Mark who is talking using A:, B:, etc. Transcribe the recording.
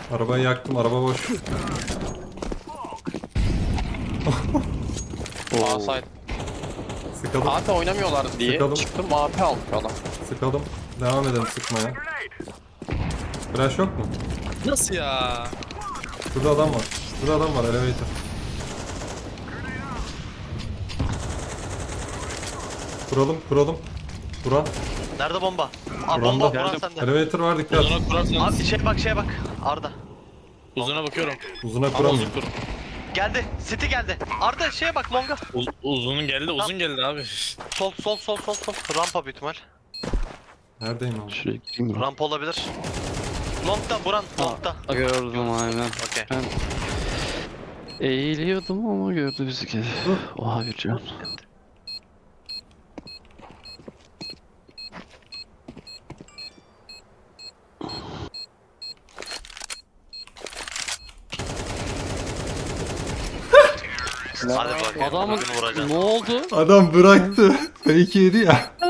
A: Arabayı yaktım, araba boş.
B: A side.
A: Sıkalım,
B: AP oynamıyorlar diye
A: Sıkalım.
B: çıktım AP aldık adam.
A: sıkalım. Devam edelim sıkmaya. Flash yok mu?
C: Nasıl ya?
A: Şurada adam var. Şurada adam var, elevator. Kuralım. Buran.
D: Nerede bomba? Aa
A: Buranda.
D: bomba Buran
B: Geldim.
D: sende.
A: Elevator var, dikkat.
C: Uzuna kurarsanız.
D: Abi şeye bak. Arda.
C: Uzuna bakıyorum.
A: Uzuna
C: Ama
A: kuramıyor.
C: uzun kur.
D: Geldi. City geldi. Arda şeye bak longa.
C: Uzun geldi, uzun geldi abi.
D: Sol. Rampa büyük ihtimal.
A: Neredeyim abi?
B: Şuraya gireyim mi?
D: Rampa olabilir. Long'da Buran. Long'da.
B: Gördüm aynen.
D: Okey.
B: Ben eğiliyordum ama gördü bizi kedi. Oha bir can.
D: Hadi bakayım.
B: Adamın
D: bugün vuracağız.
B: ne oldu?
A: Adam bıraktı. Fake yedi ya.